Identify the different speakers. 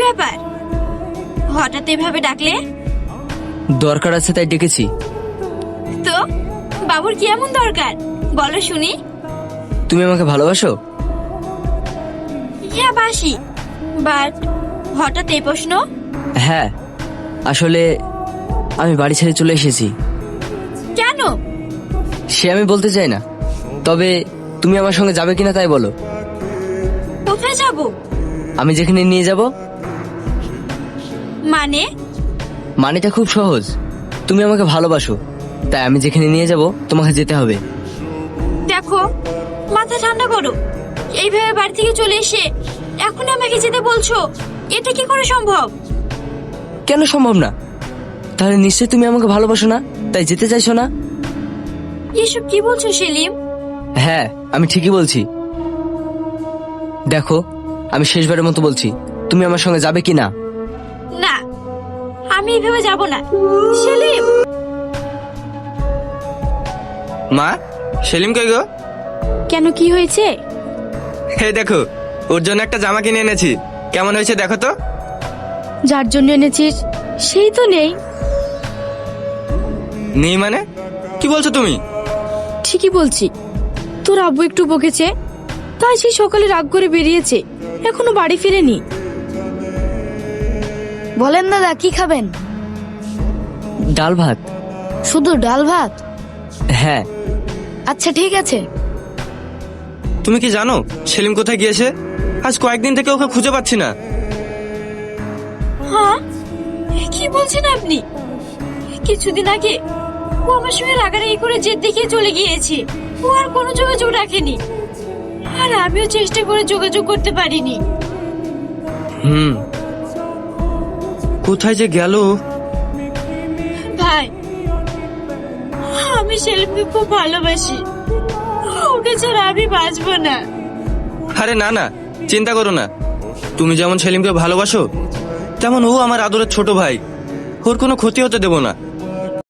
Speaker 1: ব্যাপার, হঠাৎ এভাবে ডাকলে?
Speaker 2: দরকার আছে তাই ডেকেছি।
Speaker 1: তো বাবুর কি এমন দরকার বলো শুনি।
Speaker 2: তুমি আমাকে ভালোবাসো?
Speaker 1: হ্যাঁ বাসি, বাট হঠাৎ এই প্রশ্ন?
Speaker 2: হ্যাঁ, আসলে আমি বাড়ি ছেড়ে চলে এসেছি।
Speaker 1: কেন?
Speaker 2: সে আমি বলতে চাই না, তবে তুমি আমার সঙ্গে যাবে কিনা তাই বলো।
Speaker 1: কোথায় যাব?
Speaker 2: আমি যেখানে নিয়ে যাব।
Speaker 1: মানে?
Speaker 2: মানেটা খুব সহজ, তুমি আমাকে ভালোবাসো, তাই আমি যেখানে নিয়ে যাব তোমাকে যেতে হবে।
Speaker 1: দেখো, মাথা ঠান্ডা করো। এইভাবে বাড়ি থেকে চলে এসে এখন আমাকে যেতে বলছো, এটা কি করে সম্ভব?
Speaker 2: কেন সম্ভব না? তাহলে নিশ্চয়ই তুমি আমাকে ভালোবাসো না, তাই যেতে চাইছো না?
Speaker 1: এসব কি বলছো সেলিম?
Speaker 2: হ্যাঁ, আমি ঠিকই বলছি। দেখো, আমি শেষবারের মতো বলছি, তুমি আমার সঙ্গে যাবে কি না?
Speaker 1: না, আমি এইভাবে যাব না। সেলিম!
Speaker 3: মা, সেলিম কই গো?
Speaker 1: কেন, কি হয়েছে?
Speaker 3: হে দেখো, ওর জন্য একটা জামা কিনে এনেছি। কেমন হয়েছে দেখো তো।
Speaker 1: যার জন্য এনেছিস সেই তো নেই।
Speaker 3: নেই মানে? কি বলছো তুমি?
Speaker 1: ঠিকই বলছি, তোর আব্বু একটু বকেছে, তাই সেই সকালে রাগ করে বেরিয়েছে, এখনো বাড়ি ফিরেনি। বলেন দাদা, কি খাবেন?
Speaker 2: ডাল ভাত।
Speaker 1: শুধু ডাল ভাত?
Speaker 2: হ্যাঁ।
Speaker 1: আচ্ছা ঠিক আছে।
Speaker 3: তুমি কি জানো সেলিম কোথায় গিয়েছে? আজ কয়েকদিন থেকে ওকে খুঁজে পাচ্ছি না।
Speaker 1: হ্যাঁ, কি বলছেন আপনি? কিছুদিন আগে ও আমার সঙ্গে রাগারাগি করে জেদ দেখিয়ে চলে গিয়েছে। ও আর কোনো যোগাযোগ রাখেনি, আর আমিও চেষ্টা করে যোগাযোগ করতে পারিনি।
Speaker 3: কোথায় যে গেল?
Speaker 1: ভাই, আমি সেলিমকে খুব ভালোবাসি, ওকে ছাড়া আমি বাঁচবো না।
Speaker 3: আরে না না, চিন্তা করো না। তুমি যেমন সেলিমকে ভালোবাসো, তেমন ও আমার আদরের ছোট ভাই। ওর কোনো ক্ষতি হতে দেব না।